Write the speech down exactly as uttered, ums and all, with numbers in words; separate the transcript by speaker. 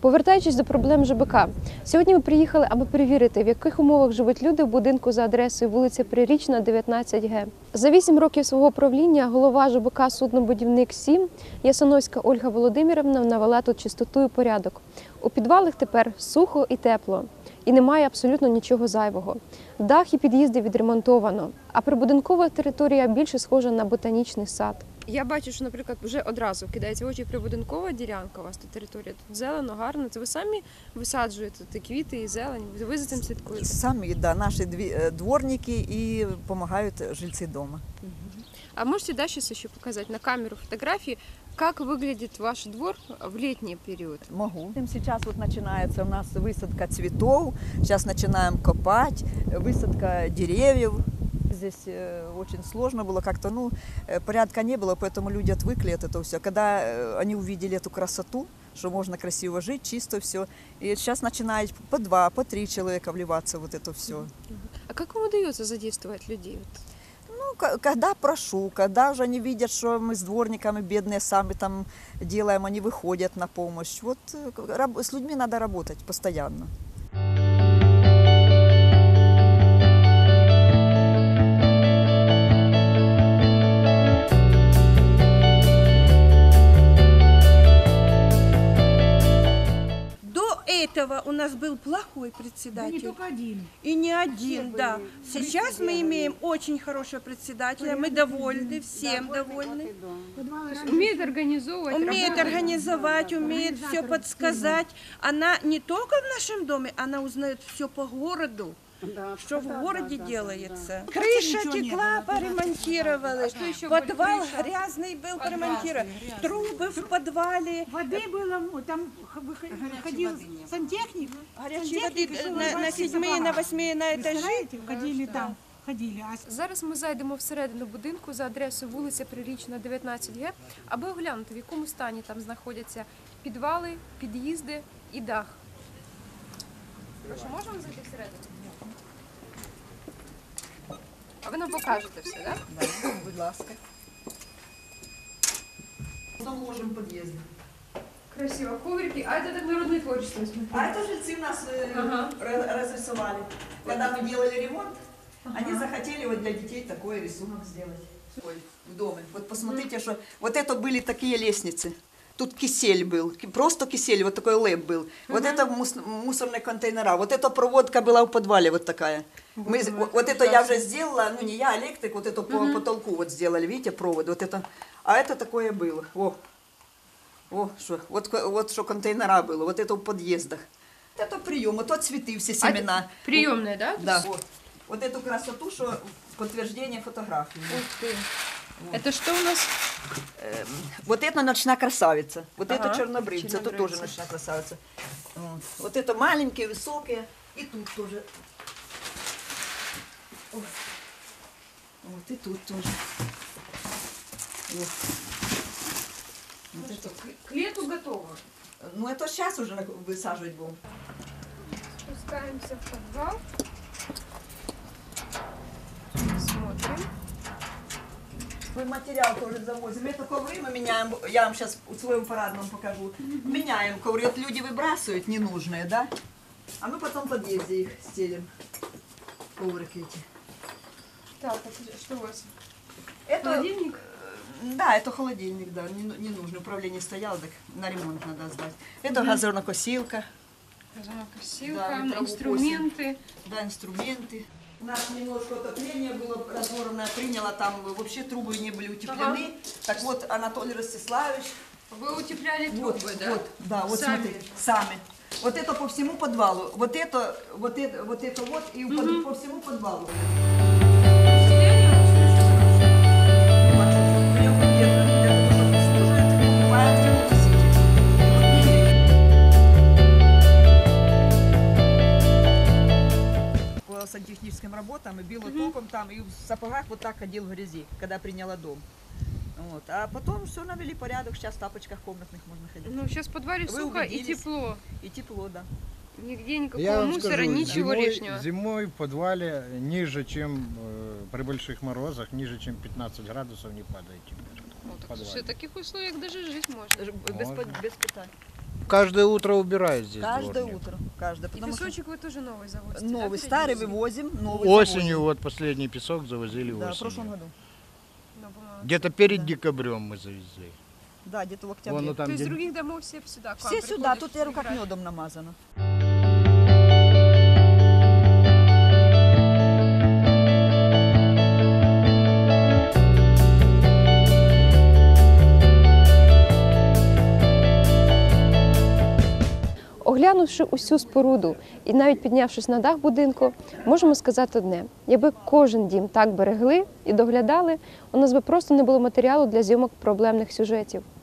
Speaker 1: Повертаючись до проблем ЖБК, сьогодні ми приїхали, аби перевірити, в яких умовах живуть люди в будинку за адресою вулиця Прирічна, дев'ятнадцять Г. За вісім років свого правління голова ЖБК «Суднобудівник сім» Ясиновська Ольга Володимирівна навела тут чистоту і порядок. У підвалах тепер сухо і тепло. І немає абсолютно нічого зайвого. Дах і під'їзди відремонтовано, а прибудинкова територія більше схожа на ботанічний сад. Я бачу, що, наприклад, вже одразу кидається в очі прибудинкова ділянка, у вас тут територія, тут зелено, гарно. Це ви самі висаджуєте ті квіти і зелень, ви за цим слідкуєте?
Speaker 2: Самі, да, наші дворники і допомагають жильці дома.
Speaker 1: А можете дальше еще показать на камеру фотографии, как выглядит ваш двор в летний период?
Speaker 2: Могу. Сейчас вот начинается у нас высадка цветов, сейчас начинаем копать, высадка деревьев. Здесь очень сложно было, как-то, ну, порядка не было, поэтому люди отвыкли от этого все. Когда они увидели эту красоту, что можно красиво жить, чисто все, и сейчас начинает по два, по три человека вливаться вот это все.
Speaker 1: А как вам удается задействовать людей?
Speaker 2: Ну, когда прошу, когда уже они видят, что мы с дворниками бедные сами там делаем, они выходят на помощь. Вот с людьми надо работать постоянно.
Speaker 3: Этого у нас был плохой председатель.
Speaker 4: Да не только один.
Speaker 3: И не один,
Speaker 4: Все
Speaker 3: да.
Speaker 4: были.
Speaker 3: Сейчас мы имеем очень хорошего председателя, мы довольны, всем довольны.
Speaker 1: Умеет организовывать,
Speaker 3: Умеет организовать, умеет все подсказать. Она не только в нашем доме, она узнает все по городу.
Speaker 4: Да,
Speaker 3: Что в
Speaker 4: да,
Speaker 3: городе
Speaker 4: да, да,
Speaker 3: делается.
Speaker 4: да.
Speaker 3: Крыша
Speaker 4: Ничего не
Speaker 3: текла,
Speaker 4: было, да.
Speaker 3: поремонтировали.
Speaker 1: Что еще
Speaker 3: Подвал
Speaker 1: были? Крыша?
Speaker 3: грязный был, поремонтировали. Трубы в подвале.
Speaker 4: Воды было, там выходил сантехник.
Speaker 3: Горячей воды
Speaker 4: Сантехник шел,
Speaker 3: на, на
Speaker 4: рвать
Speaker 3: седьмые,
Speaker 4: собак.
Speaker 3: на восьмые, на этажи.
Speaker 4: Представляете, ходили там, ходили. А
Speaker 1: Зараз ми зайдемо всередину будинку за адресою вулиця Прирічна, дев'ятнадцять Г, аби оглянути, в якому стані там знаходяться підвали, під'їзди і дах. Прошу, можемо зайти всередину? А ви нам покажете все, так?
Speaker 2: Да, будь ласка. Потом ложим в подъезде.
Speaker 1: Красиво. Коврики. А это так народное творчество.
Speaker 2: А это жильцы нас э,
Speaker 1: Ага.
Speaker 2: разрисовали. Когда мы делали ремонт, они захотели вот для детей такой рисунок сделать. Ой, в доме. Вот посмотрите, что вот это были такие лестницы. Тут кисель был, просто кисель, вот такой лэп был. Вот это мус мусорные контейнера, вот эта проводка была в подвале вот такая. Мы, вот, вот это я уже сделала, ну не я, электрик, вот это по потолку вот сделали, видите, провод, вот это. А это такое было, о, о, что, вот, вот что контейнера было, вот это в подъездах. Это прием, вот цветы, все семена.
Speaker 1: А приемная, да?
Speaker 2: Да. Вот. Вот эту красоту, что подтверждение фотографии.
Speaker 1: Ух ты. Это что у нас?
Speaker 2: Эм, Вот это ночная красавица, вот
Speaker 1: Ага,
Speaker 2: это чернобрывица, тут тоже
Speaker 1: чернобрывица.
Speaker 2: ночная красавица. Вот. Вот это маленькие, высокие, и тут тоже. Ой. Вот и тут тоже. Вот. Вот это.
Speaker 1: К лету готово.
Speaker 2: Ну это сейчас уже высаживать будем.
Speaker 1: Спускаемся в подвал. Смотрим.
Speaker 2: Мы материал тоже завозим. Это ковры мы меняем. Я вам сейчас в своем парадном покажу. Меняем ковры. Вот люди выбрасывают ненужные, да? А мы потом в подъезде их стелим. Коврики эти.
Speaker 1: Так, а что у вас?
Speaker 2: Это,
Speaker 1: Холодильник?
Speaker 2: э, Да, это холодильник, да, не, не нужно. Управление стояло, так на ремонт надо сдать. Это газонокосилка,
Speaker 1: Газонокосилка,
Speaker 2: Да, мы траву
Speaker 1: инструменты.
Speaker 2: да, инструменты. У нас немножко отопление было разорванное, приняло, там вообще трубы не были утеплены.
Speaker 1: Ага.
Speaker 2: Так вот, Анатолий Ростиславович,
Speaker 1: Вы утепляли трубы,
Speaker 2: вот,
Speaker 1: да?
Speaker 2: вот, да, вот
Speaker 1: Сами?
Speaker 2: смотрите, сами. Вот это по всему подвалу, вот это, вот это, вот это вот, и по, по всему подвалу. По сантехническим работам и било током там, и в сапогах вот так ходил в грязи, когда приняла дом. Вот. А потом все навели порядок, сейчас в тапочках комнатных можно ходить.
Speaker 1: Ну, сейчас в подвале
Speaker 2: Вы
Speaker 1: сухо и
Speaker 2: убедились?
Speaker 1: тепло.
Speaker 2: И тепло, да.
Speaker 1: Нигде никакого
Speaker 5: Я вам
Speaker 1: мусора,
Speaker 5: скажу,
Speaker 1: ничего
Speaker 5: зимой,
Speaker 1: лишнего.
Speaker 5: Зимой в подвале ниже, чем э, при больших морозах, ниже, чем пятнадцать градусов не падает температура.
Speaker 1: Вот,
Speaker 5: в подвале.
Speaker 1: слушай, в таких условиях даже жить можно.
Speaker 2: Даже без,
Speaker 5: Можно.
Speaker 2: под- без питания.
Speaker 5: каждое утро убирают здесь
Speaker 2: Каждое
Speaker 5: дворник.
Speaker 2: утро, каждое.
Speaker 1: І
Speaker 2: Потому что
Speaker 1: пісочок ви теж новий завозите?
Speaker 2: новый,
Speaker 1: так?
Speaker 2: старый вывозим, новый
Speaker 5: Осенью
Speaker 2: завозим.
Speaker 5: вот последний песок завозили
Speaker 2: Да, в
Speaker 5: осенью.
Speaker 2: прошлом году.
Speaker 1: Ну, бумага.
Speaker 5: Где-то перед декабрем мы завезли.
Speaker 2: Да, где-то в октябре.
Speaker 5: Вон, ну, там,
Speaker 1: Тобто з
Speaker 5: где-
Speaker 1: других домов всі сюди? к вам
Speaker 2: Все сюда,
Speaker 1: приходять,
Speaker 2: тут я как
Speaker 1: забирають?
Speaker 2: медом намазано.
Speaker 1: Оглянувши усю споруду і навіть піднявшись на дах будинку, можемо сказати одне: якби кожен дім так берегли і доглядали, у нас би просто не було матеріалу для зйомок проблемних сюжетів.